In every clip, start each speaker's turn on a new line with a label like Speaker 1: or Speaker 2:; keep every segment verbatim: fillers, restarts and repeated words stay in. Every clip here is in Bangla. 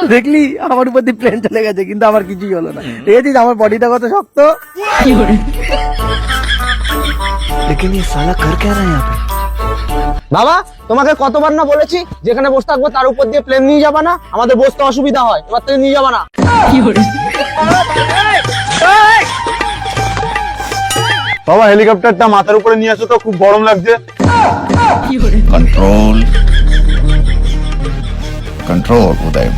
Speaker 1: দেখলি আমার উপর দিয়ে প্লেন চলে গেছে, কিন্তু আমার কিছুই হলো না। দেখেছিস আমার বডিটা কত শক্ত।
Speaker 2: लेकिन ये साला कर क्या रहा है यहाँ पे?
Speaker 3: বাবা তোমাকে কতবার না বলেছি যেখানে বসে থাকবো তার উপর দিয়ে প্লেন নিয়ে যাবা না, আমাদের বসতে অসুবিধা হয়, এবার থেকে নিয়ে যাবা না।
Speaker 4: বাবা হেলিকপ্টারটা মাথার উপরে নিয়ে আসো তো, খুব গরম লাগছে।
Speaker 5: Control control Uday.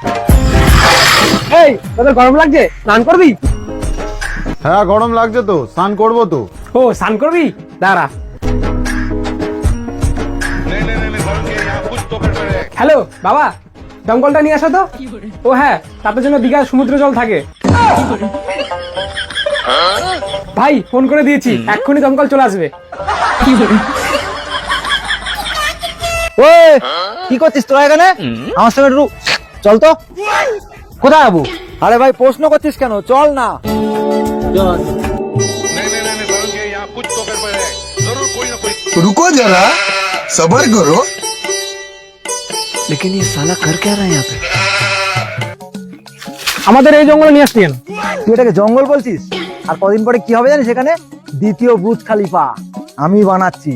Speaker 3: এই তোদের গরম লাগছে, স্নান করবি?
Speaker 4: হ্যাঁ গরম লাগছে তো, স্নান করবো তো।
Speaker 3: ও স্নান করবি, দাঁড়া। হ্যালো বাবা, দমকলটা নিয়ে আসো তো। ও হ্যাঁ, তাদের জন্য দীঘার সমুদ্র জল থাকে। ভাই ফোন করে দিয়েছি, এক্ষুনি দমকল চলে আসবে।
Speaker 1: ওই কি করছিস তোরা এখানে? আমার সঙ্গে একটু চল তো।
Speaker 3: কোথায় যাবো?
Speaker 1: আরে ভাই প্রশ্ন করছিস কেন, চল না।
Speaker 5: रुको जरा सबर करो।
Speaker 2: लेकिन ये साला कर क्या रहा है यहाँ पे?
Speaker 3: আমাদের এই জঙ্গলে নিয়ে আসছেন?
Speaker 1: তুই এটাকে জঙ্গল বলছিস? আর কদিন পরে কি হবে জানিস? এখানে দ্বিতীয় বুর্জ খলিফা আমি বানাচ্ছি।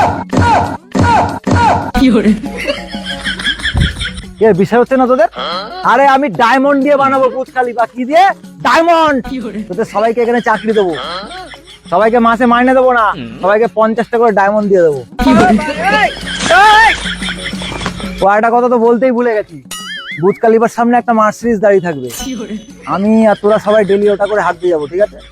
Speaker 1: এর বিষয় হচ্ছে না তোদের? আরে আমি ডায়মন্ড দিয়ে বানাবো বুর্জ খলিফা। কি দিয়ে? ডায়মন্ড। তোদের সবাইকে এখানে চাকরি দেবো, সবাইকে মাসে মাইনে দেবো না, সবাইকে পঞ্চাশটা করে ডায়মন্ড দিয়ে দেবো। ও একটা কথা তো বলতেই ভুলে গেছি, বুর্জ খলিফার সামনে একটা মার্সিডিজ দাঁড়িয়ে থাকবে, আমি আর তোরা সবাই ডেলি ওটা করে হাত দিয়ে যাবো। ঠিক আছে?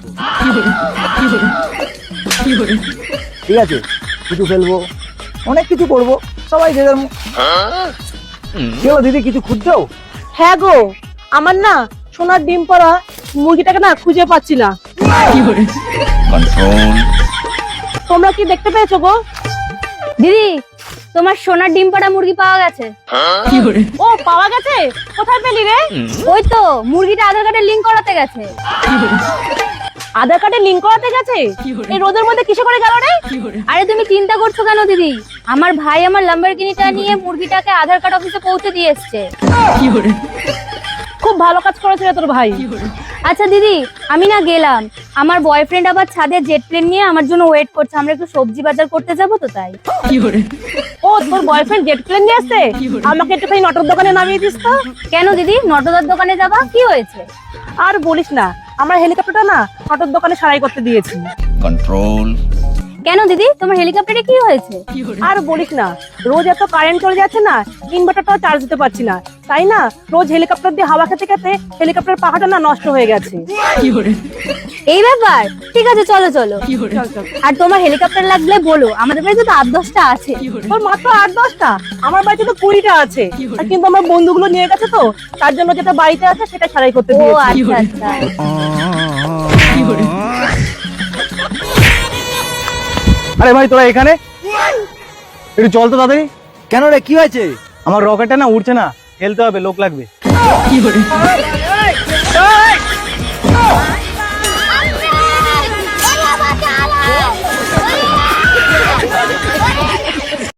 Speaker 1: ঠিক আছে, কিছু ফেলবো, অনেক কিছু করবো, সবাই যে যার মো- কি হলো দিদি, কিছু খুঁজছো?
Speaker 6: হ্যাঁ গো, আমার না সোনার ডিম পড়া মুরগিটাকে না খুঁজে পাচ্ছি না।
Speaker 5: कंट्रोल
Speaker 6: তোমরা কি দেখতে পেয়েছো গো?
Speaker 7: দিদি, তোমার সোনার ডিম পাড়া মুরগি পাওয়া গেছে।
Speaker 6: ও পাওয়া গেছে? কোথায় পেলি রে?
Speaker 7: ওই তো মুরগিটা আধার কার্ডে লিংক করাতে গেছে।
Speaker 6: আধার কার্ডে লিংক করাতে গেছে? এই রোদের মধ্যে কিসে করে গেল রে?
Speaker 7: আরে তুমি চিন্তা করছো কেন দিদি, আমার ভাই আমার ল্যাম্বরগিনিটা নিয়ে মুরগিটাকে আধার কার্ড অফিসে পৌঁছে দিয়ে এসছে।
Speaker 6: খুব ভালো কাজ করেছে রে তোর ভাই।
Speaker 7: আচ্ছা দিদি, আমি না গেলাম, আমার বয়ফ্রেন্ড আবার ছাদে জেট প্লেন নিয়ে আমার জন্য ওয়েট করছে, আমরা একটু সবজি বাজার করতে যাবো তো তাই।
Speaker 6: ও তোর বয়ফ্রেন্ড জেট প্লেন নিয়ে আসছে? আমাকে একটুখানি নটর দোকানে নামিয়ে দিস তো।
Speaker 7: কেন দিদি, নটদার দোকানে যাবা? কি হয়েছে?
Speaker 6: আর বলিস না, আমরা হেলিকপ্টারটা না নটর দোকানে সারাই করতে দিয়েছি।
Speaker 5: कंट्रोल
Speaker 7: কেন দিদি, তোমার হেলিকপ্টারে কি হয়েছে?
Speaker 6: আর বলিস না, রোজ এত কারেন্ট চলে যাচ্ছে না, ইনভার্টারটাও চার্জ দিতে পারছি না, তাই না রোজ হেলিকপ্টার দিয়ে হাওয়া খেতে খেতে হেলিকপ্টার পাখাটা না নষ্ট হয়ে গেছে।
Speaker 7: এই ব্যাপার, ঠিক আছে চলো চলো।
Speaker 6: চল চল।
Speaker 7: আর তোমার হেলিকপ্টার লাগলে বলো, আমাদের বাড়িতে তো আট দশটা আছে।
Speaker 6: তোর মাত্র আট দশটা? আমার বাড়িতে তো কুড়িটা আছে, আর কিন্তু আমার বন্ধুগুলো নিয়ে গেছে তো, তার জন্য যেটা বাড়িতে আছে সেটা সারাই করতে
Speaker 7: ও
Speaker 6: দিয়েছি।
Speaker 7: আচ্ছা আচ্ছা।
Speaker 3: আরে ভাই তোরা এখানে একটু চল তো তাড়াতাড়ি।
Speaker 1: কেন রে, কি হয়েছে?
Speaker 3: আমার রকেটটা না উড়ছে না, খেলতে হবে, লোক লাগবে।